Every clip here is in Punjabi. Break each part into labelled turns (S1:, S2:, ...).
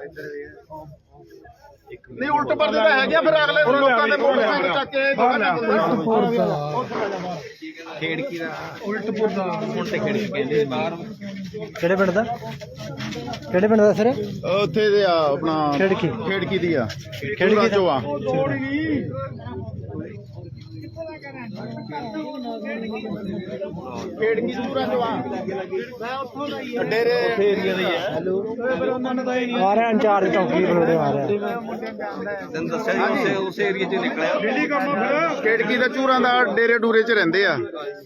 S1: नहीं उल्ट पर है क्या फिर अगले लोगों ने मोटरसाइकिल चक के ਖੇੜਕੀ ਦਾ ਉਲਟਪੁਰ ਦਾ ਹੁਣ ਤੇ ਖੇੜਕੀ ਕਹਿੰਦੇ ਬਾਹਰ
S2: ਕਿਹੜੇ ਪਿੰਡ ਦਾ ਸਰ
S1: ਉੱਥੇ ਦੇ ਆ ਆਪਣਾ ਖੇੜਕੀ ਦੀ ਆ ਖੇੜਕੀ ਚੋਂ ਆ ਖੇੜਕੀ ਪੂਰਾ ਚੋਂ ਆ ਮੈਂ ਉੱਥੋਂ ਦਾ ਹੀ ਆ ਡੇਰੇ ਏਰੀਆ ਦਾ ਹੀ ਆ ਹੈਲੋ ਫਿਰ ਉਹਨਾਂ ਨੇ ਤਾਂ
S2: ਆ ਰਿਹਾ ਇੰਚਾਰਜ ਚੌਕੀ ਬਲੋੜੇ ਆ ਰਿਹਾ
S1: ਤੈਨੂੰ ਦੱਸਿਆ ਜੀ ਉਸ ਏਰੀਆ 'ਚ ਨਿਕਲਿਆ ਦਿੱਲੀ ਕੰਮ ਫਿਰ ਖੇੜਕੀ ਦਾ ਚੂਰਾਂ ਦਾ ਡੇਰੇ ਡੂਰੇ 'ਚ ਰਹਿੰਦੇ ਆ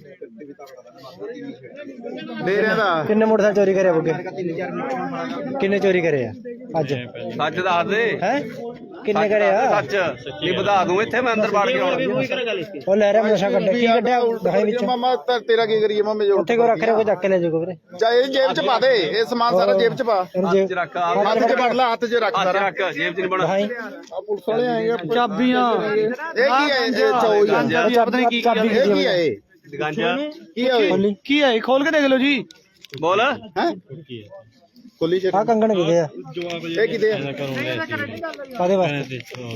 S1: ਡੇਰਿਆਂ ਦਾ
S2: ਕਿੰਨੇ ਮੋਟਰਸਾਈਕਲ ਚੋਰੀ ਕਰਿਆ ਬੁੱਗੇ ਕਿੰਨੇ ਚੋਰੀ ਕਰੇ ਆ ਅੱਜ
S3: ਸੱਚ ਦੱਸ ਦੇ
S2: ਹੈ ਕਿੰਨੇ ਕਰੇ ਆ
S3: ਸੱਚ ਨਹੀਂ ਵਧਾ ਦੂੰ ਇੱਥੇ ਮੈਂ ਅੰਦਰ ਵੜ ਕੇ ਆਉਣਾ
S2: ਉਹ ਲੈ ਰਿਹਾ ਨਸ਼ਾ ਕੱਢਿਆ ਕੀ ਕੱਢਿਆ ਦਿਖਾਈ ਵਿੱਚ
S1: ਮਾਮਾ ਤੇਰਾ ਕੀ ਕਰੀਏ ਮਾਮੇ ਜੋ
S2: ਉੱਥੇ ਕੋ ਰੱਖ ਰਿਹਾ ਕੋਈ ਚੱਕ ਕੇ ਲੈ ਜਾਊਗਾ ਵੀਰੇ
S1: ਚਾਹੇ ਜੇਬ 'ਚ ਪਾ ਦੇ ਇਹ ਸਮਾਨ ਸਾਰਾ ਜੇਬ 'ਚ ਪਾ
S2: ਇਹਨੂੰ ਜੇ
S3: ਰੱਖ
S1: ਹੱਥ 'ਚ ਫੜ ਲਾ ਹੱਥ 'ਚ ਰੱਖ
S3: ਹੱਥ
S1: ਸਾਰਾ
S3: ਰੱਖ ਜੇਬ 'ਚ ਨਹੀਂ ਬਣਾ
S2: ਦਿਖਾਈ
S1: ਆ ਪੁਲਿਸ ਵਾਲੇ ਆਏਗੇ
S2: ਚਾਬੀਆਂ
S1: ਇਹ ਕੀ ਹੈ ਇਹ ਚੋਈ ਆ
S2: ਚਾਬੀ ਕੀ
S1: ਇਹ ਕੀ ਹੈ ਇਹ
S3: ਗਾਂਜਾ
S1: ਕੀ ਹੈ ਓਏ
S2: ਕੀ ਹੈ ਖੋਲ ਕੇ ਦੇਖ ਲਓ ਜੀ
S3: ਬੋਲ
S1: ਹੈ ਖੋਲੀ ਚ
S2: ਆ ਕੰਗਣ ਕਿਦੇ ਆ
S1: ਇਹ ਕਿਤੇ ਆ
S2: ਕਾਦੇ ਵਾਸਤੇ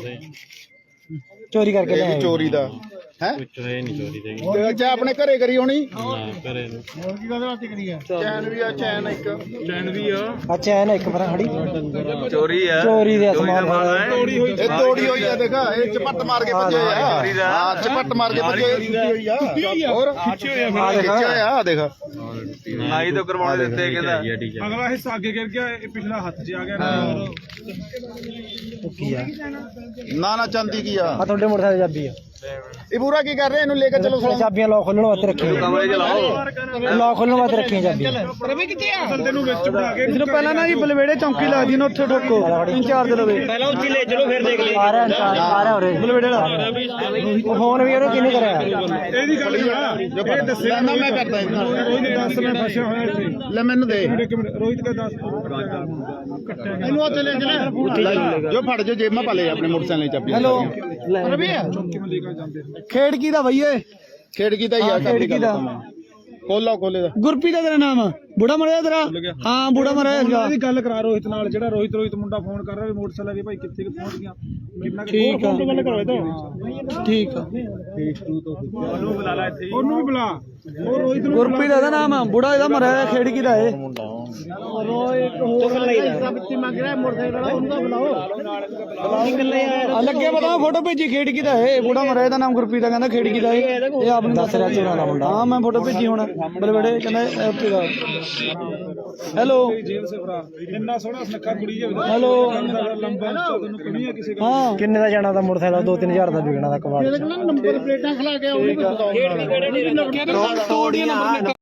S2: ਚੋਰੀ ਕਰਕੇ
S1: ਇਹ
S2: ਲਿਆਏ
S1: ਵੀ ਚੋਰੀ ਦਾ ਹੈ ਤੇ ਅੱਛਾ ਆਪਣੇ ਘਰੇ ਕਰੀ ਹੋਣੀ ਚੈਨ ਵੀ ਆ ਚੈਨ ਇੱਕ
S2: ਅੱਛਾ ਹੈ ਨਾ ਇੱਕ ਵਾਰ ਖੜੀ
S3: ਚੋਰੀ ਆ
S2: ਚੋਰੀ ਦੇ ਸਮਾਨ
S1: ਇਹ ਤੋੜੀ ਹੋਈ ਆ ਦੇਖਾ ਇਹ ਚਪੱਟ ਮਾਰ ਕੇ ਭੱਜੇ ਆ ਹਾਂ ਚਪੱਟ ਮਾਰ ਕੇ ਭੱਜੇ ਹੋਈ ਆ ਹੋਰ ਖਿੱਚਿਆ ਹੋਇਆ ਆ ਦੇਖ
S3: ਨਾਈ ਤੋਂ ਕਰਵਾਉਣੇ ਦਿੱਤੇ ਕਹਿੰਦਾ
S4: ਅਗਲਾ ਹਿੱਸਾ ਅੱਗੇ ਗਿਰ ਗਿਆ ਇਹ ਪਿਛਲਾ ਹੱਥ 'ਚ ਆ ਗਿਆ
S2: ਕੀ ਆ
S1: ਨਾ ਚਾਂਦੀ ਕੀ ਆ
S2: ਆ ਤੁਹਾਡੇ ਮੋਟਰਸਾਈਕਲ ਚਾਬੀ ਆ
S1: ਇਹ ਪੂਰਾ ਕੀ ਕਰ ਰਹੇ ਇਹਨੂੰ ਲੈ ਕੇ ਚਲੋ
S2: ਚਾਬੀਆਂ ਲੋਕ ਖੋਲਣ ਵਾਸਤੇ ਰੱਖੀਆਂ
S3: ਕਮਰੇ 'ਚ ਲਾਓ
S2: ਲੋਕ ਖੋਲਣ ਵਾਸਤੇ ਰੱਖੀਆਂ ਚਾਬੀਆਂ
S4: ਬੰਦੇ ਨੂੰ ਵਿੱਚ ਬਣਾ ਕੇ
S2: ਇਹਨੂੰ ਪਹਿਲਾਂ ਨਾ ਜੀ ਬਲਵੇੜੇ ਚੌਂਕੀ ਲੱਗਦੀ ਨਾ ਉੱਥੇ ਠੋਕੋ ਇੰਚਾਰਜ ਲਵੇ ਪਹਿਲਾਂ ਉੱਥੇ ਲੈ ਚਲੋ ਫਿਰ ਦੇਖ ਲਈ ਆ ਰਿਹਾ ਇੰਚਾਰਜ ਆ ਰਿਹਾ ਉਰੇ ਬਲਵੇੜੇ ਵਾਲਾ ਉਹ ਫੋਨ ਵੀ ਉਹਨੇ ਕਿਹਨੇ ਕਰਿਆ
S4: ਇਹਦੀ ਗੱਲ ਨਹੀਂ ਆ ਇਹ ਦੱਸਿਆ
S1: ਨਾ ਮੈਂ ਕਰਦਾ
S4: ਉਹਨੇ ਦੱਸ ਮੈਂ ਫਸਿਆ ਹੋਇਆ ਇੱਥੇ
S1: ਲੈ ਮੈਨੂੰ ਦੇ
S4: ਇੱਕ ਮਿੰਟ ਰੋਹਿਤ ਦਾ ਦੱਸ
S1: ਇਹਨੂੰ ਉੱਥੇ ਲੈ ਚਲੇ ਜੋ ਫੜ ਜੋ ਜੇਬ ਮਾ ਪਾ ਲੈ ਆਪਣੇ ਮੋਟਰਸਾਈਕਲ ਚਾਬੀ
S2: ਹੈਲੋ ਰਵੀ ਖੇੜਕੀ ਦਾ ਭਈਏ
S1: ਖੇੜਕੀ ਦਾ ਹੀ ਆ
S2: ਖੇੜਕੀ ਦਾ
S1: ਖੋਲਾ ਖੋਲੇ ਦਾ
S2: ਗੁਰਪ੍ਰੀਤ ਦਾ ਤੇਰਾ ਨਾਮ ਬੁੜਾ ਮਰਿਆ ਤੇਰਾ ਹਾਂ ਬੁੜਾ ਮਰਿਆ
S4: ਇਹਦੀ ਗੱਲ ਕਰਾ ਰੋਹਿਤ ਨਾਲ ਜਿਹੜਾ ਰੋਹਿਤ ਮੁੰਡਾ ਫੋਨ ਕਰ ਰਿਹਾ ਵੀ ਮੋਟਰਸਾਈਕਲ ਵੀ ਭਾਈ ਕਿੱਥੇ ਪਹੁੰਚ ਗਿਆ ਕਿੰਨਾ
S2: ਠੀਕ ਆ
S4: ਗੱਲ ਕਰੋ ਇਹ
S2: ਠੀਕ ਆ
S4: ਉਹਨੂੰ ਬੁਲਾ ਲੈ ਇੱਥੇ ਉਹਨੂੰ ਵੀ ਬੁਲਾ ਉਹ ਰੋਹਿਤ ਨੂੰ
S2: ਗੁਰਪ੍ਰੀਤ ਦਾ ਨਾਮ ਆ ਬੁੜਾ ਇਹਦਾ ਮਰਿਆ ਖੇੜਕੀ ਦਾ ਇਹ ਲੱਗੇ ਪਤਾ ਫੋਟੋ ਭੇਜੀ ਖੇੜਕੀ ਦਾ ਇਹ ਬੁੜਾ ਮਰਿਆ ਇਹਦਾ ਨਾਮ ਗੁਰਪ੍ਰੀਤ ਦਾ ਕਹਿੰਦਾ ਖੇੜਕੀ ਦਾ ਇਹ ਆਪ ਨੂੰ ਦੱਸ ਰਿਹਾ ਚੋਰਾਂ ਦਾ ਮੁੰਡਾ ਹਾਂ ਮੈਂ ਫੋਟੋ ਭੇਜੀ ਹੁਣ ਬਲਵੇੜੇ ਕਹਿੰਦਾ ਉੱਥੇ ਦਾ ਹੈਲੋ
S4: ਜੇਲ੍ਹ ਸੇ ਫਰਾਰ ਇੰਨਾ ਸੋਹਣਾ ਸੁਨੱਖਾ ਕੁੜੀ ਜਿਹਾ
S2: ਹੈਲੋ
S4: ਲੰਬਾ ਤੈਨੂੰ ਕਮੀ ਆ ਕਿਸੇ
S2: ਹਾਂ ਕਿੰਨੇ ਦਾ ਜਾਣਾ ਦਾ ਮੋਟਰਸਾਈਕਲ 2-3000 ਦਾ ਵਿਕਣਾ ਦਾ ਕਬਾੜ
S1: ਨੰਬਰ ਪਲੇਟਾਂ ਖਲਾ ਕੇ ਉਹਨੂੰ ਵੀ ਬਤਾਓ
S2: ਤੋੜੀਆਂ